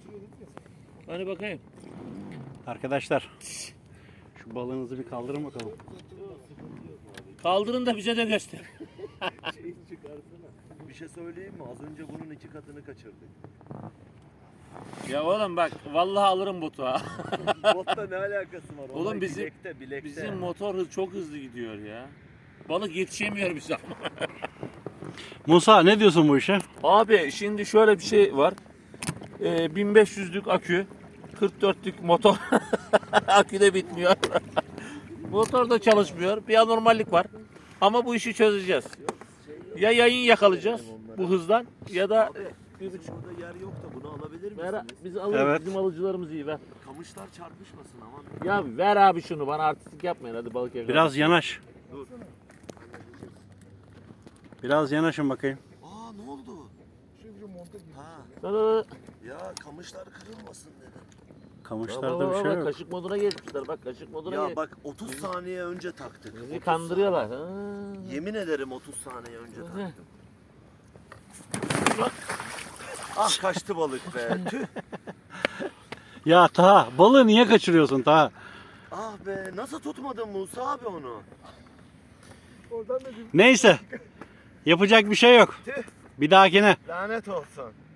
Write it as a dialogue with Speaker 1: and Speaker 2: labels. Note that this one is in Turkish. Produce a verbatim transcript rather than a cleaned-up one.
Speaker 1: Hani bakayım.
Speaker 2: Arkadaşlar şu balığınızı bir kaldırın bakalım.
Speaker 1: Kaldırın da bize de göster.
Speaker 3: Şeyi çıkarsana. Bir şey söyleyeyim mi? Az önce bunun iki katını kaçırdık.
Speaker 1: Ya oğlum bak vallahi alırım botu ha.
Speaker 3: Botla ne alakası var?
Speaker 1: Oğlum
Speaker 3: Olay
Speaker 1: bizim-
Speaker 3: bilekte, bilekte.
Speaker 1: Bizim motor hız çok hızlı gidiyor ya. Balık yetişemiyor bize ama.
Speaker 2: Musa ne diyorsun bu işe?
Speaker 1: Abi şimdi şöyle bir şey var. Ee, bin beş yüzlük akü, kırk dörtlük motor. Akü de bitmiyor. Motor da çalışmıyor. Bir anormallik var. Ama bu işi çözeceğiz. Ya yayın yakalayacağız bu hızdan ya da bir buçuk.
Speaker 3: Şurada yer yok da bunu alabilir misiniz?
Speaker 1: Ver, biz alırız.
Speaker 2: Evet.
Speaker 1: Bizim alıcılarımız iyi ver.
Speaker 3: Kamışlar çarpışmasın aman.
Speaker 1: Ya ver abi şunu bana artistik yapmayın hadi balık yakala.
Speaker 2: Biraz yanaş.
Speaker 3: Dur.
Speaker 2: Biraz yanaşın bakayım.
Speaker 3: Aa ne oldu? Ha.
Speaker 1: Dur, dur, dur.
Speaker 3: Ya kamışlar kırılmasın dedim.
Speaker 1: Bak,
Speaker 2: Kamışlarda
Speaker 1: bak,
Speaker 2: bir şey
Speaker 1: bak,
Speaker 2: yok.
Speaker 1: kaşık moduna geçmişler bak kaşık moduna
Speaker 3: Ya
Speaker 1: geç.
Speaker 3: bak otuz saniye önce taktık.
Speaker 1: Bizi
Speaker 3: otuz
Speaker 1: kandırıyorlar. Ha.
Speaker 3: saniye. Yemin ederim otuz saniye önce taktım. Ah kaçtı balık be. Tüh.
Speaker 2: Ya Taha balığı niye kaçırıyorsun Taha?
Speaker 3: Ah be nasıl tutmadın Musa abi onu?
Speaker 2: Neyse. Yapacak bir şey yok.
Speaker 3: Tüh.
Speaker 2: Bir dahakine.
Speaker 3: Lanet olsun.